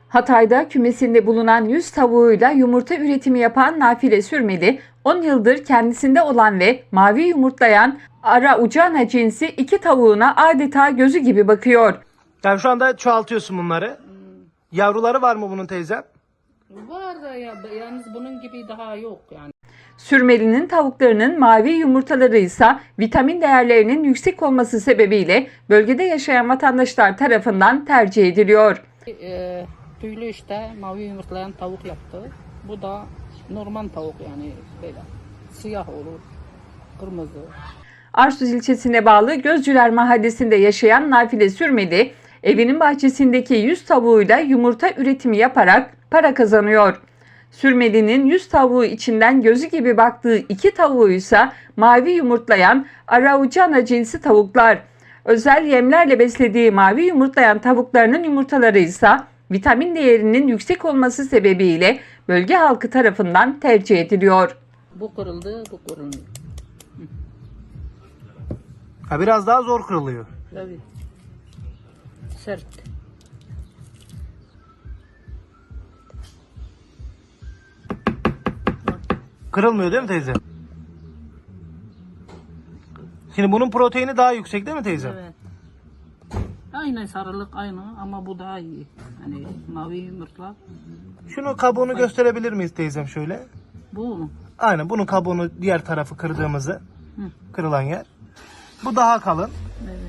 Hatay'da kümesinde bulunan 100 tavuğuyla yumurta üretimi yapan Nafile Sürmeli, 10 yıldır kendisinde olan ve mavi yumurtlayan Araucana cinsi 2 tavuğuna adeta gözü gibi bakıyor. Yani şu anda çoğaltıyorsun bunları. Yavruları var mı bunun teyzem? Var da yalnız bunun gibi daha yok yani. Sürmeli'nin tavuklarının mavi yumurtaları ise vitamin değerlerinin yüksek olması sebebiyle bölgede yaşayan vatandaşlar tarafından tercih ediliyor. Tüylü işte mavi yumurtlayan tavuk yaptı. Bu da normal tavuk yani böyle siyah olur, kırmızı. Arsuz ilçesine bağlı Gözcüler Mahallesi'nde yaşayan Nafile Sürmeli, evinin bahçesindeki 100 tavuğuyla yumurta üretimi yaparak para kazanıyor. Sürmeli'nin 100 tavuğu içinden gözü gibi baktığı 2 tavuğu ise mavi yumurtlayan Araucana cinsi tavuklar. Özel yemlerle beslediği mavi yumurtlayan tavuklarının yumurtaları ise vitamin değerinin yüksek olması sebebiyle bölge halkı tarafından tercih ediliyor. Bu kırıldı, bu kırılmıyor. Ha, biraz daha zor kırılıyor. Tabii. Sert. Kırılmıyor değil mi teyze? Şimdi bunun proteini daha yüksek değil mi teyze? Evet. Aynı sarılık aynı ama bu daha iyi. Hani mavi yumurtla. Şunu kabuğunu gösterebilir miyiz teyzem şöyle? Bu mu? Aynen bunun kabuğunu diğer tarafı kırdığımızı, kırılan yer. Bu daha kalın. Evet.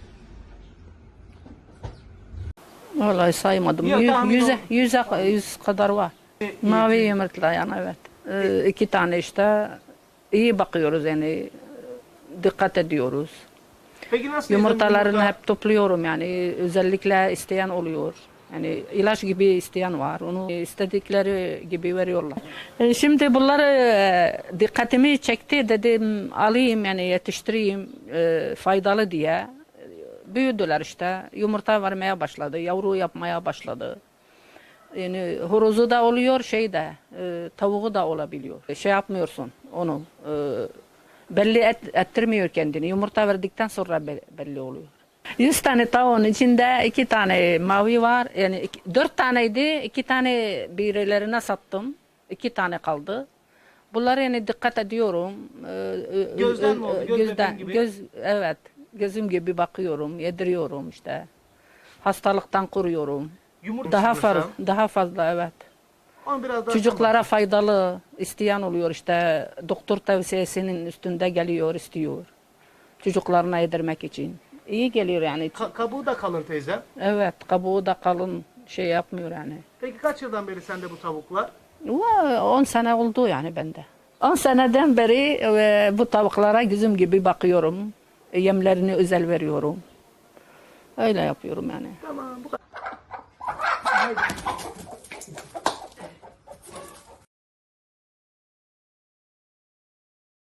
Vallahi saymadım. Yok, tahmin Yüz kadar var. Mavi yumurtlayan evet. 2 tane işte iyi bakıyoruz yani dikkat ediyoruz. Peki nasıl teyzem Yumurtalarını yumurta- hep topluyorum yani özellikle isteyen oluyor. Yani ilaç gibi isteyen var. Onu istedikleri gibi veriyorlar. Şimdi bunları dikkatimi çekti dedim alayım yani yetiştireyim faydalı diye. Büyüdüler işte. Yumurta vermeye başladı. Yavru yapmaya başladı. Yani horozu da oluyor tavuğu da olabiliyor. Şey yapmıyorsun onu. Belli ettirmiyor kendini. Yumurta verdikten sonra belli oluyor. 100 tane tavuğun içinde 2 tane mavi var. Yani 4 taneydi. 2 tane birilerine sattım. 2 tane kaldı. Bunları yani dikkat ediyorum. Gözden mi oldu? Göz bebeğin gibi? Evet. Gözüm gibi bakıyorum. Yediriyorum işte. Hastalıktan koruyorum. Yumurta Daha fazla evet. Onu biraz daha Çocuklara faydalı isteyen oluyor işte doktor tavsiyesinin üstünde geliyor istiyor. Çocuklarına yedirmek için. İyi geliyor yani. kabuğu da kalın teyzem. Evet kabuğu da kalın şey yapmıyor yani. Peki kaç yıldan beri sende bu tavuklar? 10 sene oldu yani bende. 10 seneden beri bu tavuklara gözüm gibi bakıyorum. Yemlerini özel veriyorum. Öyle yapıyorum yani. Tamam bu kadar.